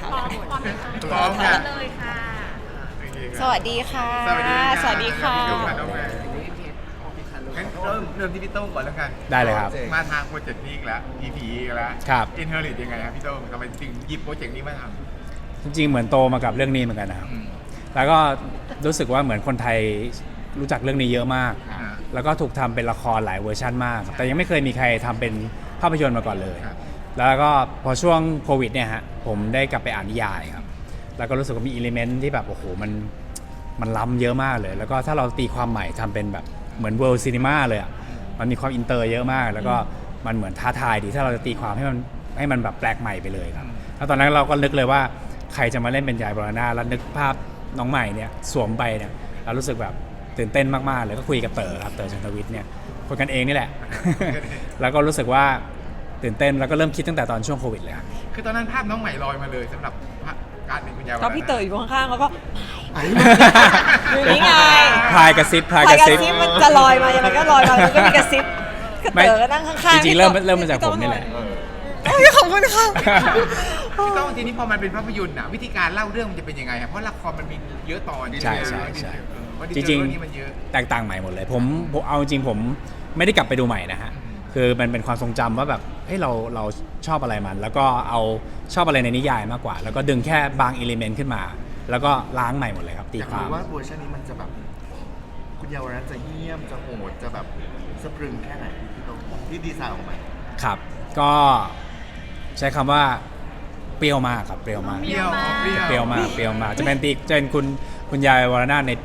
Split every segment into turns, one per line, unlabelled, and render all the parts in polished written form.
พร้อมกัน
เลยค่ะ
สวัสดีค่ะ
สวัสดี
สวัสดีค่ะ
อยู่กับน้องแม่งั้นเริ่มที่พี่โต้งก่อนแล้วกัน
ได้เลยครับ
มาทางโปรเจกต์นี้อีกแล้ว EP อีกแล้ว
ครับ
Inherit ยังไงครับพี่โต้งทำไมจึงหยิบโปรเจกต์นี้มาท
จริงๆเหมือนโตมากับเรื่องนี้เหมือนกันนะครับ
ำ
แล้วก็รู้สึกว่าเหมือนคนไทยรู้จักเรื่องนี้เยอะมาก
อ่า
แล้วก็ถูกทำเป็นละครหลายเวอร์ชันมากครับแต่ยังไม่เคยมีใครทำเป็นภาพยนตร์มาก่อนเลย
ครับ
แล้วก็พอช่วงโควิดเนี่ยฮะผมได้กลับไปอ่านนิยายครับแล้วก็รู้สึกว่ามีอิเลเมนต์ที่แบบโอ้โหมันล้ำเยอะมากเลย แล้วก็ถ้าเราตีความใหม่ทำเป็นแบบเหมือนเวิลด์ซีนีมาเลยอ่ะมันมีความอินเตอร์เยอะมาก แล้วก็มันเหมือนท้าทายดีถ้าเราจะตีความให้มันแบบแปลกใหม่ไปเลยครับแล้วตอนนั้นเราก็นึกเลยว่าใครจะมาเล่นเป็นยายบรณาแล้วนึกภาพน้องใหม่เนี่ยสวมไปเนี่ยเรารู้สึกแบบตื่นเต้นมากๆเลยก็คุยกับเต๋อครับเต๋อชันทวิทย์เนี่ยคนกันเองนี่แหละ แล้วก็รู้สึกว่าตื่นเต้นแล้วก็เริ่มคิดตั้งแต่ตอนช่วงโควิดเลยครับ
คือตอนนั้นภาพน้องใหม่ลอยมาเลยสำหรับการเป็นคุณยาย
ก็พี่เต๋ออยู่ข้างๆแล้วก็
ไอ้
อยู่นี่ไง
พายกระซิบพาย
พาย
ก
ก
ระ
ระ
ซิบ
ซิบมันจะลอยมายังไงก็ลอยมามันก็มีกระซิบกระเต๋อก็นั่งข้างๆ
จริงๆเริ่มมาจากผมนี่แหละ
โอ้ยขอบคุณค่ะ
พี่โต้งทีนี้พอมันเป็นภาพยนตร์น่ะวิธีการเล่าเรื่องมันจะเป็นยังไงครับเพราะละครมันมีเยอะตอน
ใช่
ว่า
จริง
นี้มันเยอะ
ๆแตกต่างใหม่หมดเลยผมเอาจริงผมไม่ได้กลับไปดูใหม่นะฮะคือมันเป็นความทรงจำว่าแบบเฮ้ยเราชอบอะไรมัน แล้วก็เอาชอบอะไรในนิยายมากกว่า แล้วก็ดึงแค่บางอิเลเมนต์ขึ้นมา แล้วก็ล้างใหม่หมดเลยครับตี
อยาก
ความ
รู้ว่าเวอร์ชันนี้มันจะแบบคุณเยาวรัตน์จะเหี้ยมจะโหดจะแบบสะพรึงแค่ไหนพี่โตที่ดีไซน์ออกมา
ครับ ก็ใช้คำว่าเปรี้ยวมากครับเปรี้ยวมาก
เปรี้ยวเปรี้ยว
เปรี้ยวมากเปรี้ยวมากจะเป็นคุณยายวรนาถในปี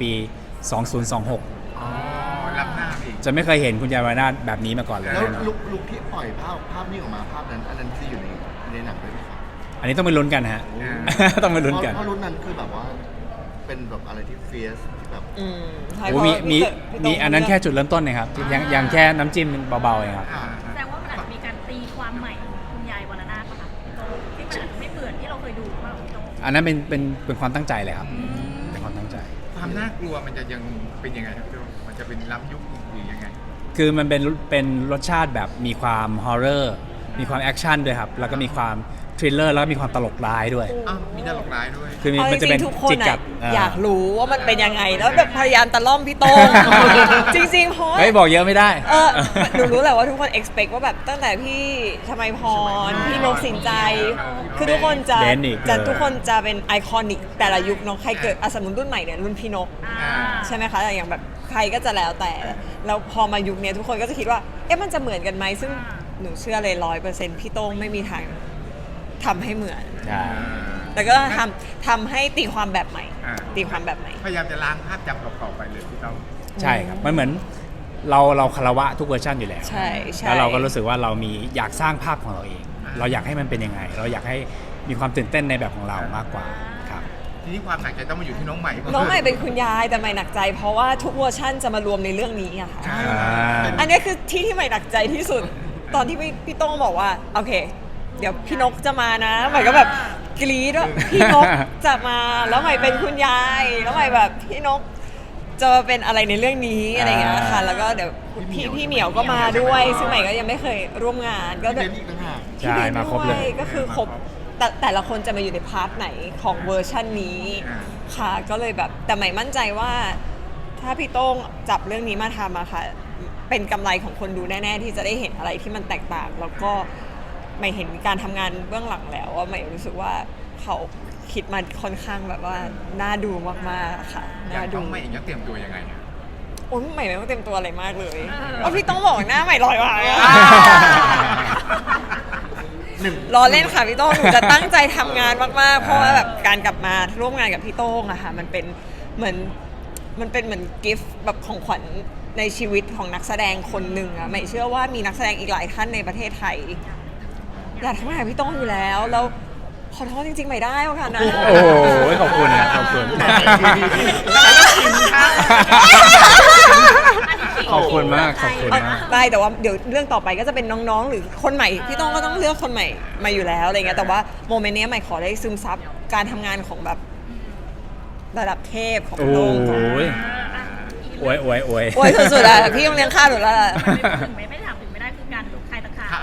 2026
อ๋อรับหน้าอีก
จะไม่เคยเห็นคุณยายวรนาถแบบนี้มาก่อนเลย
แล้ว
แน่นอน
ลุกที่ปล่อยภาพนี้ออกมาภาพนั้นอันนั้นคืออยู่ในหนังด้วยไหมครับ
อันนี้ต้องไปลุ้นกันฮะ ต้องไปลุ้นกัน
เพราะรุ่นนั้นคือแบบว่าเป็นแบบอะไรที่เฟียสที่แบบ
ใช่
โอ้
เพราะ
มี
พี่เต๋
มีอันนั้นแค่จุดเริ่มต้นนะครับยังแค่น้ำจิ้มเบาๆเองครับ
อ่า
แสดงว่ามันอาจจะมีการตีความใหม่ของคุณยายวรนาถป่ะคะพี่โตที่มันอาจจะไม่เหมือนที่เราเคยดูมาหรอกพี่โต
อันนั้นเป็นความตั้งใจเลยครับเป็นความตั้งใจ
ความน่ากลัวมันจะยังเป็นยังไงครับพี่โต้งมันจะเป็นล้ำยุคหรือยังไง
คือมันเป็นรสชาติแบบมีความฮอร์เรอร์มีความแอคชั่นด้วยครับแล้วก็มีความทริลเลอร์แล้วก็มีความตลกร้ายด้วย
อ้าวมีตลกร้ายด้วย
คือ
เอาจ
มันจะ
ริ
เป็น
งๆทุกคน
จิกกั
อะ
ด
อยากรู้ว่ามันเป็นยังไงแล้วแบบพยายามตะล่อมพี่โต้ง จริงๆเพราะว่า
เฮ้ยบอกเยอะไม่ได้
หนูรู้แหละว่าทุกคน expect ว่าแบบตั้งแต่พี่ชมัยพร พี่นกสินใจ คือทุกคนจะ
เบนอีก
ทุกคนจะเป็นไอคอนิกแต่ละยุคเนาะใครเกิดสมมติรุ่นใหม่เนี่ยรุ่นพี่นก
อ่า
ใช่ไหมคะอย่างแบบใครก็จะแล้วแต่แล้วพอมายุคเนี้ยทุกคนก็จะคิดว่าเอ๊ะมันจะเหมือนกันไหมซึ่งหนูเชื่อเลย100%พี่โต้งไม่มีทางทำให้เหมือน
ใช่
แต่ก็ทำให้ตีความแบบใหม่
อ่า
ตีความแบบใหม่
พยายามจะล้างภาพจำเก่าๆไปเลยพี่โต้ง
ใช่ครับมันเหมือนเราคารวะทุกเวอร์ชันอยู่แล้ว
ใช่ใช่
แล้วเราก็รู้สึกว่าเรามีอยากสร้างภาพของเราเอง เราอยากให้มันเป็นยังไง เราอยากให้มีความตื่นเต้นในแบบของเรามากกว่าครับ
ทีนี้ความหนักใจต้องมาอยู่ที่น้องใหม่
น้องใหม่เป็นคุณยายแต่ใหม่หนักใจ เพราะว่าทุกเวอร์ชั่นจะมารวมในเรื่องนี้อะค่ะ
ใช่
อันนี้คือที่ใหม่หนักใจที่สุด ตอนที่พี่โต้งบอกว่าโอเค เดี๋ยวพี่นกจะมานะใหม่ก็แบบกรี๊ดว่าพี่นกจะมาแล้วใหม่เป็นคุณยายแล้วใหม่แบบพี่นกจะมาเป็นอะไรในเรื่องนี้อะไรอย่างเงี้ยค่ะ แล้วก็เดี๋ยวพี่เหมียวก็มาด้วย ซึ่งใหม่ก็ยังไม่เคยร่วมงานก็
เบนอีกต่างหาก
ใช่มาครบเลย
ก็คือครบแต่ละคนจะมาอยู่ในพาร์ทไหนของเวอร์ชันนี้ค่ะก็เลยแบบแต่ใหม่มั่นใจว่าถ้าพี่โต้งจับเรื่องนี้มาทำอะค่ะเป็นกำไรของคนดูแน่ๆที่จะได้เห็นอะไรที่มันแตกต่าง แล้วก็ใหม่เห็นการทำงานเบื้องหลังแล้วว่าใหม่รู้สึกว่าเขาคิดมาค่อนข้างแบบว่าน่าดูมากๆค่ะ
อยา
น่าก ดู
น้องใหม่เองจะเตรียมตัวยังไงอะ
โอ้ยใหม่ไม่ต้องเต็มตัวอะไรมากเลยว่าพี่ต้องบอกหน้าใหม่ลอยมา รอเล่นค่ะพี่โต้งหนูจะตั้งใจทำงานมากๆ เพราะว่าแบบการกลับมาร่วมงานกับพี่โต้งอะค่ะมันเป็นเหมือนกิฟต์แบบของขวัญในชีวิตของนักแสดงคนหนึ่งอะไม่เชื่อว่ามีนักแสดงอีกหลายท่านในประเทศไทยอยากทำงานกับพี่โต้งอยู่แล้วแล้วขอโทษจริงๆไม่ได้ค่ะนะ
โอ้โหขอบคุณนะขอบคุณ ขอบคุณมากขอบคุณมาก
ได้แต่ว่าเดี๋ยวเรื่องต่อไปก็จะเป็นน้องๆ หรือคนใหม่พี่โต้งก็ต้องเลือกคนใหม่มาอยู่แล้วอะไรเงี้ยแต่ว่าโมเมนต์นี้ใหม่ขอได้ซึมซับการทำงานของแบบระดับเทพของ
โอ้
โต้ง
โห
ก่อน
อวย
โอ้ยสุดๆอะพี่ต้องเลี้ยงข้าวหนูแล้วล่ะ
ไม่ถามถึงไม่ได้คือการใครตะขาบ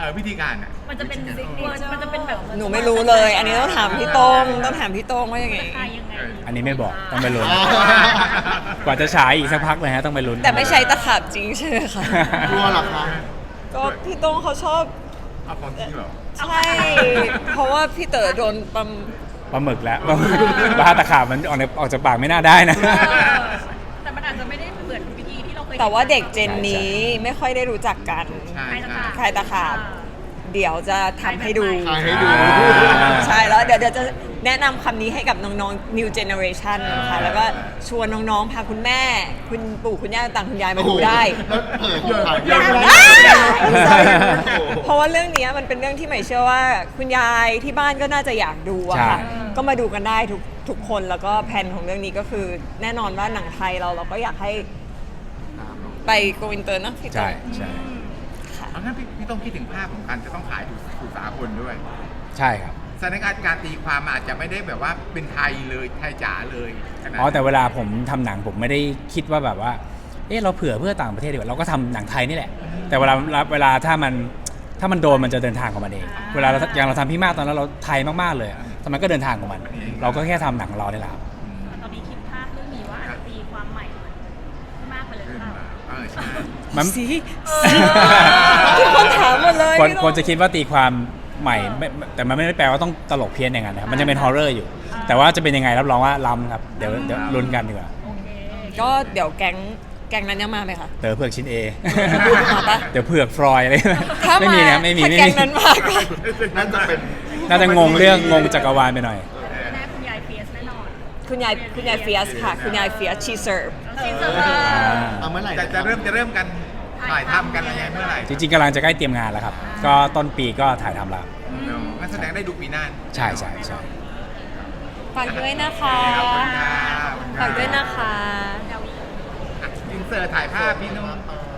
วิธีการอ่ะ
มันจะเป็นมันจะเป็นแบบ
หนูไม่รู้เลย อันนี้ต้องถามพี่โต้งต้องถามพี่โต้งว่ายังไง
ใครยังไง
อันนี้ไม่บอกต้องไปลุ้น กว่าจะฉายอีกสักพักเลยฮะต้องไปลุ้น
แต่ไม่ใช่ตะขาบจริงใช่ไหมคะ
กลัวเหรอคะ
ก็พี่โต้งเขาชอบ
เอาของจริงเหรอ
ใช่ เพราะว่าพี่เต๋อโดนปั๊ม
ปลาหมึกแล้วปลาหมึกบ้าตะขาบมันออกจากปากไม่น่าได้นะ
แต่มันอาจจะไม่ได้เหมือนวิธีที่เราเคย
แต่ว่าเด็กเจนนี้ไม่ค่อยได้รู้จักกัน
ใช่
ใครตะ
ใช่
ขาบ
ใครตะขาบ เดี๋ยวจะทำให้ดู
ถ่ายให้ดู
ใช่แล้วเดี๋ยวจะแนะนำคำนี้ให้กับน้องๆ new generation นะคะแล้วก็ชวนน้องๆ พาคุณแม่ คุณปู่คุณย่าต่างคุณยายมาดูได้
แล้วเผยของถ่าย
ยังไง
เพราะว่าเรื่องเนี้ยมันเป็นเรื่องที่ใหม่เชื่อว่าคุณยายที่บ้านก็น่าจะอยากดูอะค่ะ
ใช่
ก็มาดูกันได้ทุกคนแล้วก็แผนของเรื่องนี้ก็คือแน่นอนว่าหนังไทยเราก็อยากให้ไปโกอินเตอร์นะพี่
ใช่
โต้ง
ใช่
ค่ะ
เอางั้นพี่ต้องคิดถึงภาพของการจะต้องขายสู่สากลด้วย
ใช่ครับ
สถานการณ์การตีความอาจจะไม่ได้แบบว่าเป็นไทยเลยไทยจ๋าเลยขนาด
อ๋อแต่เวลาผมทำหนังผมไม่ได้คิดว่าแบบว่าเราเผื่อเพื่อต่างประเทศดีกว่าเราก็ทำหนังไทยนี่แหละ แต่เวลาถ้ามันโดนมันจะเดินทางของมันเอง เวลาอย่างเราทำพี่มากตอนนั้นเราไทยมากๆเลยอะแต่มันก็เดินทางของมัน เราก็แค่ทำหนังของเราได้แหละครับ
ตอนนี้คิดภาพเรื่องนี้ว่าอาจจะตีความใหม่มากไปเลยหรือเปล่า
ใช่
มัน
สิทุกคนถามหมดเลย
คน
พี่โต้ง
คนจะคิดว่าตีความใหม่แต่มันไม่ได้แปลว่าต้องตลกเพี้ยนอย่างนั้นนะครับมันจะเป็นฮอร์เรอร์อยู่ แต่ว่าจะเป็นยังไงรับรองว่าล้ำครับเดี๋ยวลุ้นกันดีกว่า
โอเค
ก็เดี๋ยวแก๊งนั้นยังมาไหมคะ
เต๋อเผือกชิ้น A
มาปะ
เดี๋ยวเผือกฟรอยอะไร
ถ้า
ไม่
มา
มีนะไม่มี
ถ้า
ไม่
แก๊ง
มี
นั้นมาก็
นั่นจะเป็น
น่าจะงงเรื่องงงจักรวาลไปหน่อย
แน่คุณยายเฟียสแน่นอน
คุณยายเฟียสค่ะ คุณยายเฟียสชีเซิร์ฟ
จริงจัง
เอาเมื่อไหร่
จะเริ่มกันถ่ายทำกันอะไรยังไงเมื่อไหร่
จริงๆกำลังจะใกล้เตรียมงานแล้วครับ ก็ต้นปีก็ถ่ายทำแล้ว
งั้นแสดงได้ดูปีหน้า
ใช่ใช่ใช่
ฝากด้วยนะคะ
ขอบคุณครับ
ฝากด้วยนะคะ
อินเสิร์ตถ่ายภาพพี่นุ่ม